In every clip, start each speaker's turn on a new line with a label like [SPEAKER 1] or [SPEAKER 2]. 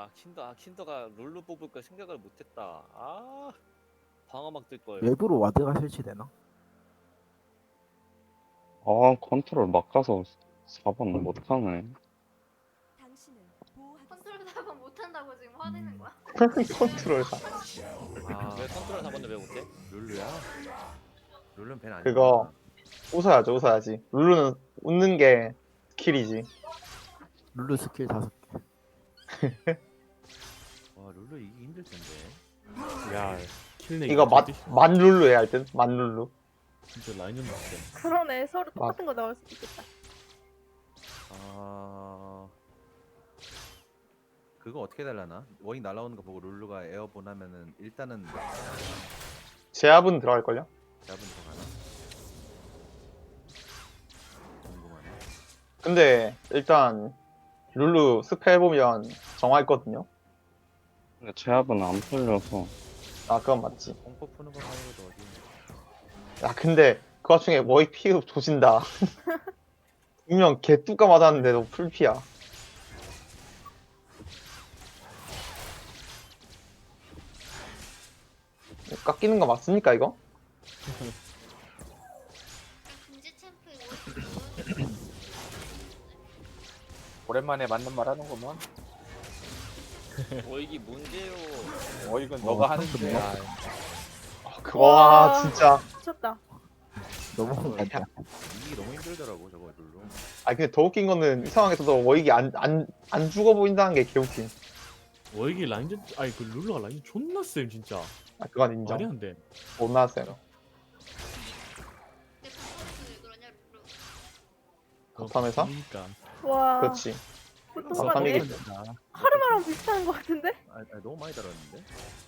[SPEAKER 1] 킨더가 룰루 뽑을 걸 생각을 못했다. 방어막 뜰 걸.
[SPEAKER 2] 외부로 와드가 설치되나?
[SPEAKER 3] 아, 컨트롤 막 가서 4번 못하네.
[SPEAKER 4] 컨트롤 잡은 못한다고 지금 화내는 거야?
[SPEAKER 5] 컨트롤 사.
[SPEAKER 1] 왜 컨트롤 4번을 왜 못해?
[SPEAKER 6] 룰루야? 룰루는 벤 아니야.
[SPEAKER 5] 그거 웃어야죠, 웃어야지. 룰루는 웃는 게 스킬이지.
[SPEAKER 2] 룰루 스킬 5개.
[SPEAKER 6] 와 룰루 이기 힘들 텐데.
[SPEAKER 7] 야, 킬내기
[SPEAKER 5] 이거 만 룰루 해야 할 듯? 만 룰루.
[SPEAKER 7] 진짜 라인전 났어.
[SPEAKER 8] 그러네. 서로 똑같은 거 나올 수도 있겠다.
[SPEAKER 6] 그거 어떻게 달라나? 워잉 날라오는 거 보고 룰루가 에어본 하면은 일단은
[SPEAKER 5] 제압은 들어갈걸요?
[SPEAKER 6] 잡은 들어가나? 궁금하네.
[SPEAKER 5] 근데 일단 룰루 스펠 보면 정화했거든요.
[SPEAKER 3] 근데 제압은 안 풀려서.
[SPEAKER 5] 아, 그건 맞지.
[SPEAKER 6] 공포 푸는 거 말고도 어디?
[SPEAKER 5] 야, 근데 그 와중에 워익 피흡 조진다. 분명 개뚜까 맞았는데도 풀피야. 깎이는 거 맞습니까, 이거?
[SPEAKER 4] 금지 챔프 이거
[SPEAKER 9] 오랜만에 맞는 말 하는구먼.
[SPEAKER 1] 이게 문제요.
[SPEAKER 9] 이건 너가 하는데.
[SPEAKER 2] 그래요?
[SPEAKER 5] 와, 진짜.
[SPEAKER 8] 미쳤다.
[SPEAKER 2] 너무 많다.
[SPEAKER 6] 이기기 너무 힘들더라고 저거 룰루.
[SPEAKER 5] 아, 근데 더 웃긴 거는 이 상황에서도 워익이 안 죽어 보인다는 게 개웃긴.
[SPEAKER 7] 이게 라인전 그 룰루가 라인전 존나 쎄 진짜.
[SPEAKER 5] 아, 그건 인정.
[SPEAKER 7] 말이 안 돼.
[SPEAKER 5] 못 나왔어요.
[SPEAKER 4] 내 방송에서 왜 그러냐 룰루.
[SPEAKER 5] 겉함에서?
[SPEAKER 7] 그러니까.
[SPEAKER 8] 와.
[SPEAKER 5] 그렇지.
[SPEAKER 8] 보통가
[SPEAKER 5] 감사합니다.
[SPEAKER 8] 되게
[SPEAKER 6] 아,
[SPEAKER 8] 카르마랑 비슷한 거 같은데?
[SPEAKER 6] 너무 많이 달았는데?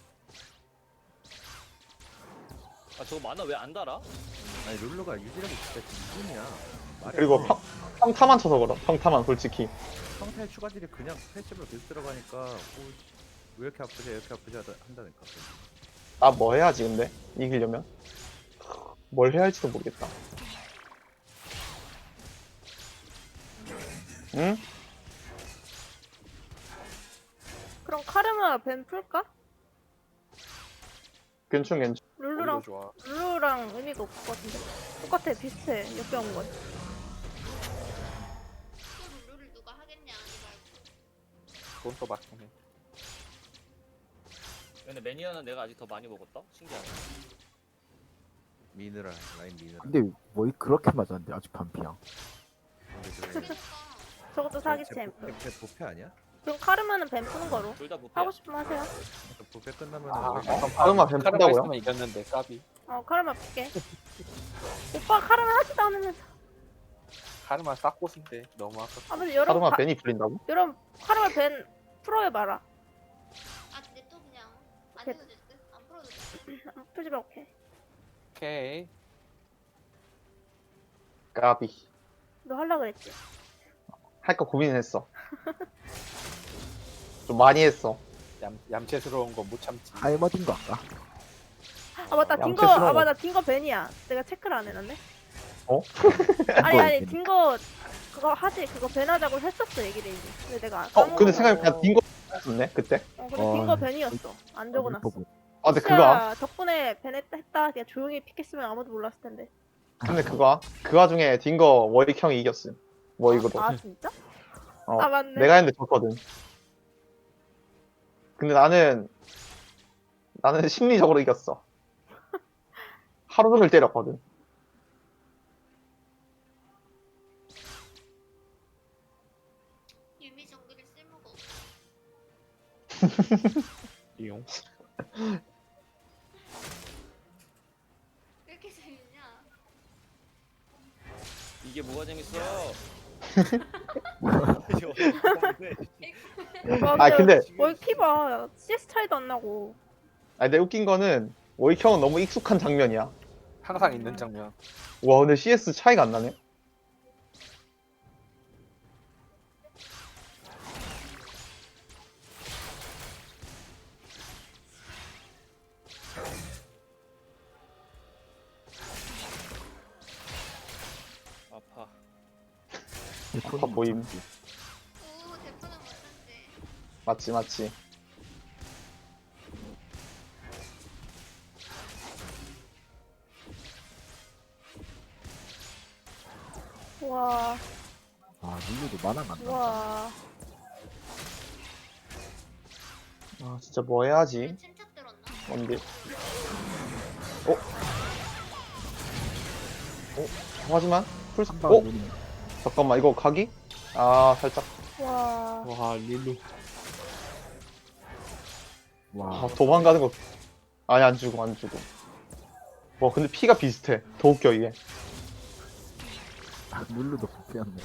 [SPEAKER 1] 저거 만화 왜 안 달아?
[SPEAKER 6] 아니 룰루가 유지력이 진짜 기준이야. 말이
[SPEAKER 5] 그리고
[SPEAKER 6] 안 돼.
[SPEAKER 5] 평타만 쳐서 그럼. 평타만 솔직히.
[SPEAKER 6] 평타의 추가질이 그냥 패시브로 계속 들어가니까 왜 이렇게 아프지 왜 이렇게 아프지 한다니까.
[SPEAKER 5] 나 뭐 해야지 근데? 이기려면? 뭘 해야 할지도 모르겠다. 응?
[SPEAKER 8] 그럼 카르마 벤 풀까?
[SPEAKER 5] 괜찮.
[SPEAKER 8] 룰루랑
[SPEAKER 9] 좋아.
[SPEAKER 8] 룰루랑 의미가 없을 것 같은데. 똑같아. 비슷해. 옆에 온 건.
[SPEAKER 4] 또 룰루를 누가 하겠냐 아니 말고.
[SPEAKER 9] 그건 또 맞긴 해.
[SPEAKER 1] 근데 매니아는 내가 아직 더 많이 먹었다? 신기하네.
[SPEAKER 6] 미느라 라인 미느라.
[SPEAKER 2] 근데 뭐 그렇게 맞았는데 아직 반피야.
[SPEAKER 6] 근데 저거
[SPEAKER 4] 그러니까
[SPEAKER 8] 저것도 사기 챔프.
[SPEAKER 6] 제 부패 아니야?
[SPEAKER 8] 그럼 카르마는 벤 푸는 거로.
[SPEAKER 1] 둘 다 부패야.
[SPEAKER 8] 하고 싶으면 하세요.
[SPEAKER 6] 저 부패 끝나면
[SPEAKER 5] 카르마 뱀
[SPEAKER 9] 카르마
[SPEAKER 5] 푼다고요?
[SPEAKER 9] 있으면 이겼는데 까비.
[SPEAKER 8] 카르마 풀게. 오빠 카르마 하지도 않으면서.
[SPEAKER 9] 카르마 싹고수인데 너무 아깝다.
[SPEAKER 8] 근데 여러분
[SPEAKER 5] 카르마 벤이 풀린다고?
[SPEAKER 8] 여러분 카르마 벤 풀어해봐라.
[SPEAKER 4] 아 근데 또 그냥 안
[SPEAKER 8] 그-
[SPEAKER 4] 해도 될 듯? 안 풀어도 될 듯?
[SPEAKER 8] 풀지 마. 오케이.
[SPEAKER 9] 오케이.
[SPEAKER 5] 까비.
[SPEAKER 8] 너 할라 그랬지?
[SPEAKER 5] 할까 고민했어. 좀 많이 했어.
[SPEAKER 9] 얌체스러운 거 못 참지.
[SPEAKER 2] 할머딘 거 아까?
[SPEAKER 8] 맞다. 딩거
[SPEAKER 5] 양채스러워.
[SPEAKER 8] 맞아. 딩거 벤이야. 내가 체크를 안 해놨네.
[SPEAKER 5] 어?
[SPEAKER 8] 아니 딩거 그거 하지. 그거 벤 하자고 했었어 얘기를 이제. 근데 내가
[SPEAKER 5] 근데 생각해보니까 딩거 했었네 그때?
[SPEAKER 8] 근데
[SPEAKER 2] 어.
[SPEAKER 8] 딩거 벤이었어. 안 적어놨어.
[SPEAKER 5] 아, 근데 그거
[SPEAKER 8] 덕분에 벤 했다. 그냥 조용히 픽했으면 아무도 몰랐을 텐데.
[SPEAKER 5] 근데 그 와중에 딩거 워익 형이 이겼음. 워익으로.
[SPEAKER 8] 아 진짜?
[SPEAKER 5] 어,
[SPEAKER 8] 아 맞네.
[SPEAKER 5] 내가 했는데 졌거든. 근데 나는 심리적으로 이겼어. 하루 종일 때렸거든.
[SPEAKER 4] 유미 정글이 쓸모가 없어.
[SPEAKER 9] 이용.
[SPEAKER 4] 왜 이렇게 재밌냐?
[SPEAKER 1] 이게 뭐가 재밌어?
[SPEAKER 5] 아, 근데
[SPEAKER 8] 뭘 피봐. CS 차이도 안 나고.
[SPEAKER 5] 근데 웃긴 거는 워익 형은 너무 익숙한 장면이야.
[SPEAKER 9] 항상 있는 장면.
[SPEAKER 5] 와, 근데 CS 차이가 안 나네.
[SPEAKER 1] 아파.
[SPEAKER 5] 아파 보임.
[SPEAKER 4] 오 대포는 못한데.
[SPEAKER 5] 맞지 맞지.
[SPEAKER 8] 와,
[SPEAKER 2] 아 룰루도 만화가 안 나.
[SPEAKER 8] 와.
[SPEAKER 5] 아 진짜 뭐 해야지.
[SPEAKER 4] 왜 침착 들었나?
[SPEAKER 5] 뭔데? 하지만 풀.
[SPEAKER 2] 한방
[SPEAKER 5] 어?
[SPEAKER 2] 룰루.
[SPEAKER 5] 잠깐만 이거 각이? 아 살짝.
[SPEAKER 8] 와.
[SPEAKER 7] 와 룰루.
[SPEAKER 2] 와
[SPEAKER 5] 아 도망가는 거. 아니 안 죽어 안 죽어. 와 근데 피가 비슷해. 더 웃겨 이게.
[SPEAKER 2] 룰루도 부패였네.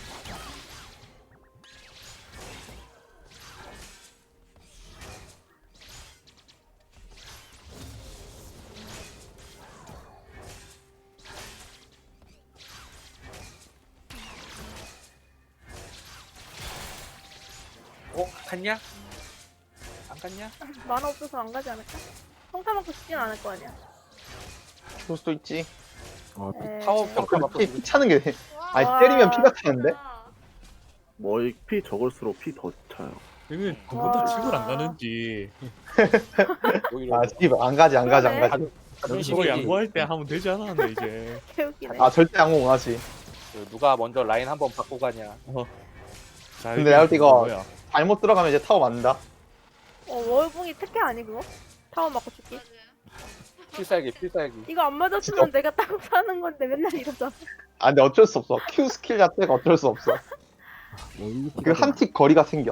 [SPEAKER 9] 갔냐? 안 갔냐?
[SPEAKER 8] 만화 없어서 안 가지 않을까? 성타 맞고 싶진 않을 거 아니야.
[SPEAKER 5] 그럴 수도 있지.
[SPEAKER 2] 와
[SPEAKER 8] 에...
[SPEAKER 9] 타워 평가
[SPEAKER 5] 근데
[SPEAKER 9] 맞고
[SPEAKER 5] 피 차는 게.
[SPEAKER 4] 와,
[SPEAKER 5] 아니
[SPEAKER 8] 와.
[SPEAKER 5] 때리면 피가 차는데?
[SPEAKER 4] 아,
[SPEAKER 10] 뭐 피 적을수록 피 더 차요.
[SPEAKER 7] 얘는
[SPEAKER 8] 와.
[SPEAKER 7] 그보다 집을 안 가는지.
[SPEAKER 9] 오히려
[SPEAKER 5] 아 스티브 안 가지 안 가지 안
[SPEAKER 8] 그러네.
[SPEAKER 5] 가지.
[SPEAKER 7] 저거 양보할 때 하면 되지 않았는데 이제.
[SPEAKER 8] 개웃기네.
[SPEAKER 5] 아 절대 양호 못 하지.
[SPEAKER 9] 누가 먼저 라인 한번 바꾸고 가냐.
[SPEAKER 7] 자,
[SPEAKER 5] 근데 내가 볼때 이거-
[SPEAKER 7] 뭐야?
[SPEAKER 5] 잘못 들어가면 이제 타워 맞는다.
[SPEAKER 8] 월붕이 특혜 아니 그거? 타워 맞고 죽기?
[SPEAKER 4] 맞아요.
[SPEAKER 9] 필살기.
[SPEAKER 8] 이거 안 맞았으면 내가 따고 사는 건데 맨날 이러잖아.
[SPEAKER 5] 아 근데 어쩔 수 없어. Q 스킬 자체가 어쩔 수 없어. 그 한 틱 거리가 생겨.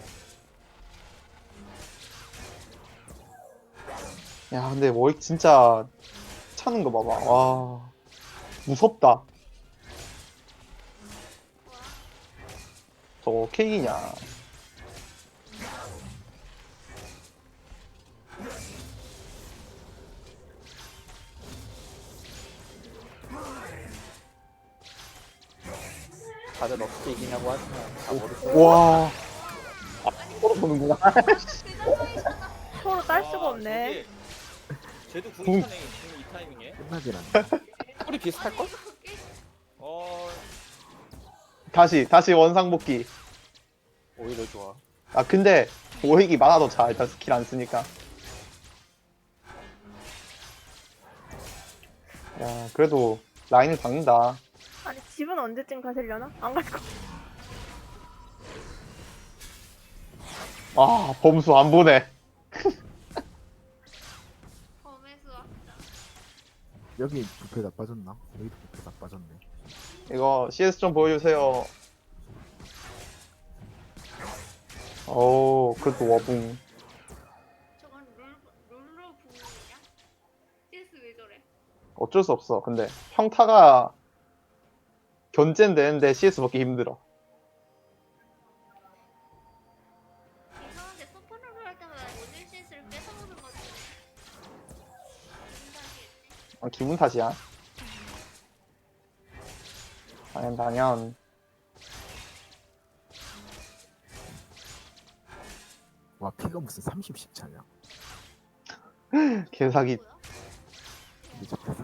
[SPEAKER 5] 야 근데 뭐 진짜 차는 거 봐봐. 와 무섭다. 저거 케이크냐.
[SPEAKER 9] 다들 어떻게 이기냐고 하지만 다 모르겠어.
[SPEAKER 5] 와. 아, 서로 보는구나.
[SPEAKER 8] 서로 딸 수가
[SPEAKER 1] 와,
[SPEAKER 8] 없네.
[SPEAKER 1] 저게 쟤도
[SPEAKER 5] 궁.
[SPEAKER 1] 궁이 차네 지금 이 타이밍에.
[SPEAKER 2] 끝나질 않네.
[SPEAKER 9] 꿀이 비슷할걸?
[SPEAKER 1] 어
[SPEAKER 5] 다시 원상복귀.
[SPEAKER 9] 오히려 좋아.
[SPEAKER 5] 아 근데 오익이 많아도 자 일단 스킬 안 쓰니까. 야 그래도 라인을 박는다.
[SPEAKER 8] 아니 집은 언제쯤 가시려나? 안 갈 거.
[SPEAKER 5] 아 범수 안 보내.
[SPEAKER 4] 범에서 왔다.
[SPEAKER 2] 여기 부패 다 빠졌나? 여기도 부패 다 빠졌네.
[SPEAKER 5] 이거 CS 좀 보여주세요. 오 그래도 와붕.
[SPEAKER 4] 저건 룰루 부분이냐? CS 왜 저래?
[SPEAKER 5] 어쩔 수 없어. 근데 평타가 견제는 되는데 CS 먹기 힘들어.
[SPEAKER 4] 이상하게 서포너를 할 때마다 모든 CS를 뺏어오는 것 같아. 기분 탓이겠지?
[SPEAKER 5] 기분 탓이야. 당연.
[SPEAKER 2] 와 피가 무슨 30씩 차냐?
[SPEAKER 5] 개사기.
[SPEAKER 4] 뭐야?
[SPEAKER 2] 이제 잡혔어.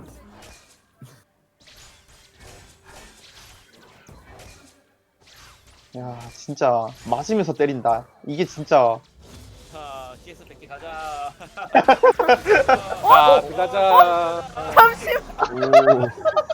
[SPEAKER 5] 야 진짜 맞으면서 때린다. 이게 진짜.
[SPEAKER 1] 자 CS 100개 가자.
[SPEAKER 9] 자, 들어가자.
[SPEAKER 8] 잠시만.
[SPEAKER 5] 오.